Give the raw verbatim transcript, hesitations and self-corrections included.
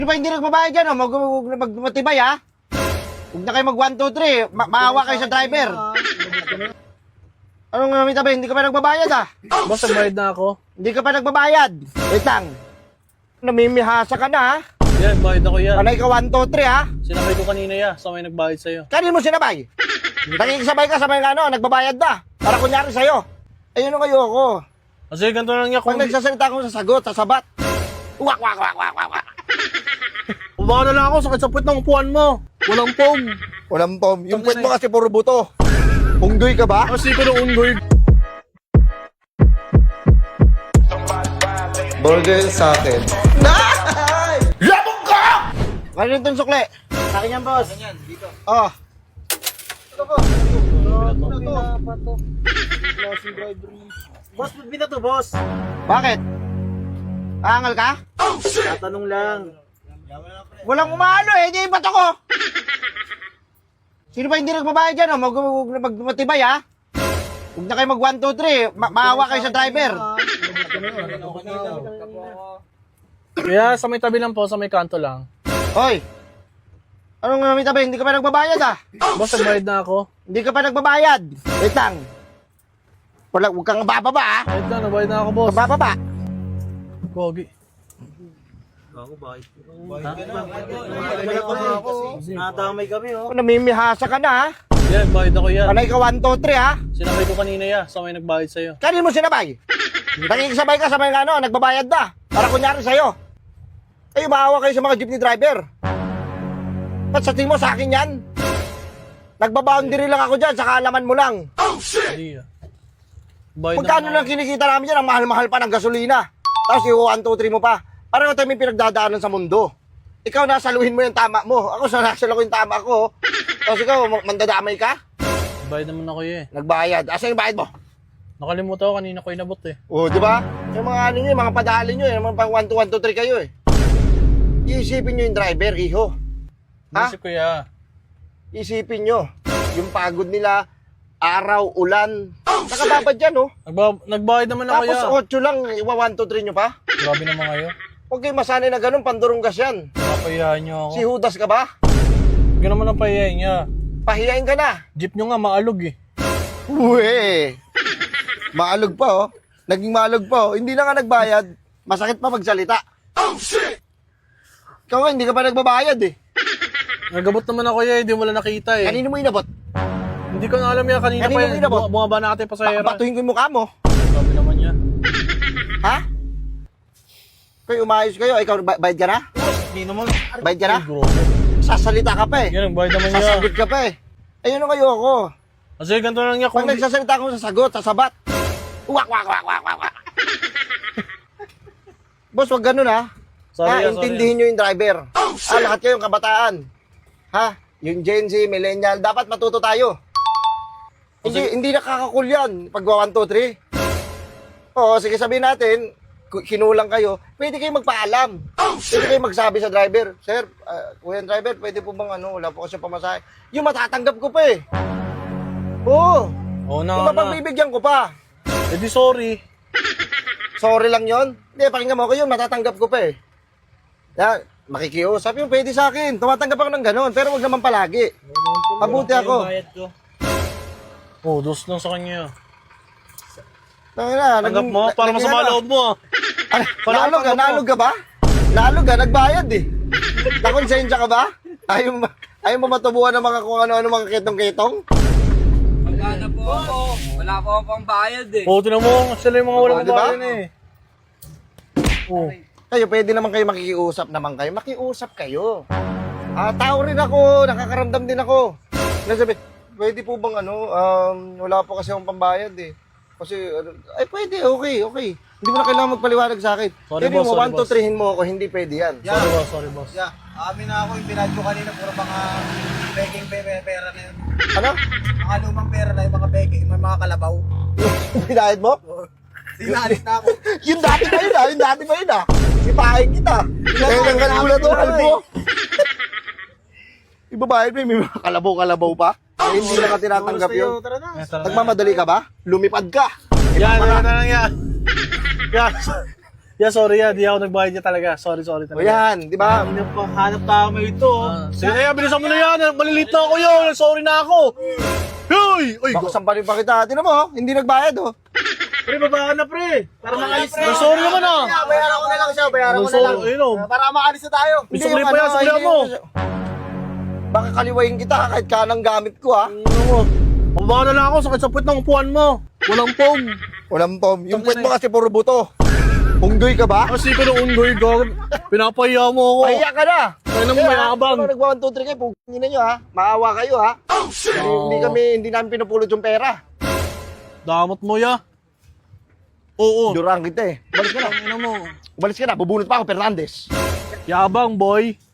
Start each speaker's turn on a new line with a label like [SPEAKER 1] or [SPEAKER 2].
[SPEAKER 1] Ano ba hindi nagbabayad dyan? Oh? Mag, mag, mag, matibay ha? Huwag na kayo mag one, two, three. Ma maawa kayo sa driver. Anong uh, mitabi? Hindi ka pa nagbabayad ha?
[SPEAKER 2] Boss, nagbayad na ako.
[SPEAKER 1] Hindi ka pa nagbabayad. Wait lang. Namimihasa ka na ha?
[SPEAKER 2] Yan, bayad ako yan.
[SPEAKER 1] Panay ka one, two, three ha?
[SPEAKER 2] Sinabay ko kanina ya, sa may nagbayad sa'yo.
[SPEAKER 1] Kanin mo sinabay? Nakikisabay ka sa mga ano, nagbabayad na. Para kunyari sa'yo. Ayun ang kayo ako.
[SPEAKER 2] Kasi ganito lang niya kung...
[SPEAKER 1] Pag nagsasalita ko sa sagot, sa sabat. Wak, wak, wak, wak, wak, wak.
[SPEAKER 2] Baka na lang ako, sakit sa puwet ng upuan mo. Walang pom.
[SPEAKER 1] Walang pom. Yung puwet mo kasi puro buto. Unggoy ka ba?
[SPEAKER 2] Kasi ko ng unggoy.
[SPEAKER 3] Burger sa akin.
[SPEAKER 1] Nay! Labog ka! Kano itong sukle?
[SPEAKER 4] Sa akin yan, boss. Yan, dito.
[SPEAKER 1] Oh.
[SPEAKER 4] Ito po. Pinapato. Klaseng driver mo. Boss, ba't binato, boss?
[SPEAKER 1] Bakit? Angal ka?
[SPEAKER 4] Tatanong lang.
[SPEAKER 1] Walang umano eh. Hindi yung bato ko. Sino ba hindi nagbabayad dyan? Oh? Mag, mag, mag, matibay ha? Huwag na kayo mag one, two, three. Ma maawa kayo sa driver.
[SPEAKER 2] Kaya sa may tabi lang po, sa may kanto lang.
[SPEAKER 1] Hoy. Anong uh, mitabi? Hindi ka pa nagbabayad ha?
[SPEAKER 2] Boss, nagbayad na ako.
[SPEAKER 1] Hindi ka pa nagbabayad. Wait lang. Wala, huwag kang bababa ha?
[SPEAKER 2] Bayad na, nagbayad na ako, boss.
[SPEAKER 1] Bababa.
[SPEAKER 2] Gogi.
[SPEAKER 4] Ako, bakit? Bakit ka na? Nadamay kami, oh.
[SPEAKER 1] Namimihasa ka na ha?
[SPEAKER 2] Yan, bayad ako yan.
[SPEAKER 1] Panay ka one, two, three ha?
[SPEAKER 2] Sinabay ko kanina ya, sa may nagbayad sa'yo.
[SPEAKER 1] Kanin mo sinabay? Nakikisabay ka sa mga ano, nagbabayad na. Para kunyari sa'yo. Ay, maawa kayo sa mga jeepney driver. Ba't sa tingin mo sa akin yan? Nagbaboundary lang ako dyan, sa kaalaman mo lang.
[SPEAKER 2] Hindi ah. Bayad
[SPEAKER 1] Magkano
[SPEAKER 2] na
[SPEAKER 1] lang kinikita namin dyan, ang mahal-mahal pa ng gasolina. Tapos yung one, two, three mo pa. Parang tayo may pinagdadaanan sa mundo. Ikaw nasaluhin mo yung tama mo. Ako sa nasaluhin yung tama ko. Tapos ikaw, mandadamay ka?
[SPEAKER 2] Bayad naman ako eh.
[SPEAKER 1] Nagbayad. Asan yung bayad mo?
[SPEAKER 2] Nakalimutan ko, kanina ko inabot eh.
[SPEAKER 1] Oo, di ba? Yung mga ano nyo, yung mga padali nyo, yung mga pang one, two, one, two, three kayo eh. Iisipin nyo yung driver, iho. Ha?
[SPEAKER 2] Nasip ko ya.
[SPEAKER 1] Isipin nyo. Yung pagod nila, araw, ulan. Nakababad yan, oh.
[SPEAKER 2] Nagba nagbayad naman ako
[SPEAKER 1] Tapos
[SPEAKER 2] ya.
[SPEAKER 1] otso lang, iwa one, two, three nyo pa.
[SPEAKER 2] Grabe naman kayo.
[SPEAKER 1] Huwag kayo masanay na ganun, pandurunggas yan.
[SPEAKER 2] Napahiyahan niyo ako.
[SPEAKER 1] Si Judas ka ba?
[SPEAKER 2] Huwag naman ang pahiyahin niya.
[SPEAKER 1] Pahiyain ka na.
[SPEAKER 2] Jeep nyo nga maalog eh.
[SPEAKER 1] Uwe. Maalog pa, oh. Naging maalog pa, oh. Hindi na nga nagbayad. Masakit pa magsalita. Oh, shit! Ikaw nga, hindi ka pa nagbabayad, eh.
[SPEAKER 2] Nagabot naman ako ya, hindi mo lang nakita eh.
[SPEAKER 1] Kanino mo inabot?
[SPEAKER 2] Hindi ko na alam ya, kanina
[SPEAKER 1] Kanino
[SPEAKER 2] pa
[SPEAKER 1] mo
[SPEAKER 2] yan.
[SPEAKER 1] inabot?
[SPEAKER 2] Bu- Bumaba na ate pa sa
[SPEAKER 1] Ba-
[SPEAKER 2] era.
[SPEAKER 1] batuhin ko yung mukha mo.
[SPEAKER 2] Grabe naman ya.
[SPEAKER 1] Ha? Kayo umayos kayo. Ikaw, ba- bayad ka na?
[SPEAKER 4] Hindi naman.
[SPEAKER 1] Bayad ka na?
[SPEAKER 2] Ay, grabe.
[SPEAKER 1] Sasalita ka pa, eh.
[SPEAKER 2] Yan, nagbayad naman niya.
[SPEAKER 1] Sasagot ka pa, eh. Ayun ang kayo ako.
[SPEAKER 2] Kasi ganito lang niya kung...
[SPEAKER 1] Pag nagsasalita ko sa sagot, sa sabat. Wak, wak, wak, wak, wak, wak. Boss, wag ganun, ha?
[SPEAKER 2] Sorry,
[SPEAKER 1] ha,
[SPEAKER 2] ah,
[SPEAKER 1] intindihin nyo yung driver. Ah, lahat kayong kabataan. Ha? Yung Gen Z, millennial, dapat matuto tayo. Hindi, hindi nakakakul yan. Pag one, two, three. Oo, sige sabihin natin, ku- kinulang kayo, pwede kayo magpaalam. Pwede kayo magsabi sa driver, Sir, uh, kuya driver, pwede po bang ano, wala po kasi pamasahe. Yung matatanggap ko pa eh. Oo.
[SPEAKER 2] Oo na,
[SPEAKER 1] Yung
[SPEAKER 2] na.
[SPEAKER 1] mapagbibigyan ko pa.
[SPEAKER 2] Eh di sorry.
[SPEAKER 1] Sorry lang yon. Hindi, pakinggan mo ako yun, matatanggap ko pa eh. Ya, makikiusap yung pwede sa akin. Tumatanggap ako ng ganun, pero wag naman palagi. Mabuti ako.
[SPEAKER 4] Bayad ko.
[SPEAKER 2] Oh, dos lang sa kanya.
[SPEAKER 1] Tangina,
[SPEAKER 2] Tanggap mo,
[SPEAKER 1] naging-
[SPEAKER 2] para
[SPEAKER 1] naging
[SPEAKER 2] masama
[SPEAKER 1] ano?
[SPEAKER 2] loob mo ah.
[SPEAKER 1] Ano,
[SPEAKER 2] Wala
[SPEAKER 1] naalog ka?
[SPEAKER 2] tanggap mo.
[SPEAKER 1] Naalog ka ba? Naalog ka? Nagbayad eh. Nakonsensya ka ba? Ayaw, mo- ayaw mo matubuhan ng mga kung ano-ano mga kitong-kitong?
[SPEAKER 5] Wala na po ako. Wala po ako pang bayad eh.
[SPEAKER 2] Oh, tinan mo, sila yung mga walang
[SPEAKER 1] Oh, di ba?
[SPEAKER 2] kabayan eh. Oh.
[SPEAKER 1] Kayo, pwede naman kayo makikiusap naman kayo. Makiusap kayo. Ah, tao rin ako. Nakakaramdam din ako. Nasabi, pwede po bang ano, um, wala po kasi akong pambayad eh. Kasi, ano, ay pwede, okay, okay. Hindi mo na kailangan magpaliwanag sa akin.
[SPEAKER 2] Sorry,
[SPEAKER 1] Pwede
[SPEAKER 2] boss,
[SPEAKER 1] mo,
[SPEAKER 2] sorry,
[SPEAKER 1] one, two,
[SPEAKER 2] boss.
[SPEAKER 1] three-hin mo ako, hindi pwede yan.
[SPEAKER 2] Sorry boss, sorry boss.
[SPEAKER 4] Yeah, amin na ako. Yung pinad ko kanina, puro mga begging pera, pera na yun.
[SPEAKER 1] Ano?
[SPEAKER 4] Mga lumang pera na yung mga begging, may mga kalabaw.
[SPEAKER 1] Pinahid mo?
[SPEAKER 4] Sinalis na ako.
[SPEAKER 1] Yung dati pa yun ah, yung dati pa yun ah. Sipahin kita. Kaya nang kalula to, kalbo. Ibabayad mo, may mga kalabaw-kalabaw pa. Eh, hindi na ka tinatanggap yun.
[SPEAKER 4] Tara na.
[SPEAKER 2] Yan, tara na.
[SPEAKER 1] Nagmamadali ka ba? Lumipad ka.
[SPEAKER 2] Yan, yan, yan, yan. Yan. Yeah, sorry ya. Di ako nagbayad niya talaga. Sorry, sorry
[SPEAKER 1] O
[SPEAKER 2] talaga.
[SPEAKER 1] yan, di ba?
[SPEAKER 4] Ano pa, hanap tama ito.
[SPEAKER 2] Sige na yan, bilisan mo na yan. Malilito na ako yun. Sorry na ako. Hoy! Uy,
[SPEAKER 1] Baka sampalin pa kita. Tinan mo, oh, hindi nagbayad, oh.
[SPEAKER 4] Pre, baba ka na, pre. Para makalis na.
[SPEAKER 2] Ay, sorry naman ah.
[SPEAKER 1] Bayaran ko na lang siya, bayaran ko na lang.
[SPEAKER 2] Sorry, ayun oh.
[SPEAKER 1] Para makalis na tayo.
[SPEAKER 2] May sukli pa yan, sukli mo.
[SPEAKER 1] Baka kaliwayin kita kahit kanang gamit ko, ha.
[SPEAKER 2] Ano mo? Pababa na lang ako. Sakit sa puwet ng upuan mo. Walang pong.
[SPEAKER 1] Walang pom. Yung puwet mo kasi puro buto. Unggoy ka ba?
[SPEAKER 2] Kasi ko ng unggoy ko. Pinapahiya mo ako.
[SPEAKER 1] Pahiya ka na.
[SPEAKER 2] Kaya naman may abang.
[SPEAKER 1] Ano nagwa one, two, three kayo, pugin na nyo, ha. Maawa kayo, ha. Hindi, hindi kami, hindi namin pinupulot yung pera.
[SPEAKER 2] Damot mo ya. Oo.
[SPEAKER 1] Durang kita, eh. Umalis ka na.
[SPEAKER 2] Ano mo?
[SPEAKER 1] Umalis ka na. Bubunot pa ako, Fernandez.
[SPEAKER 2] Yabang boy.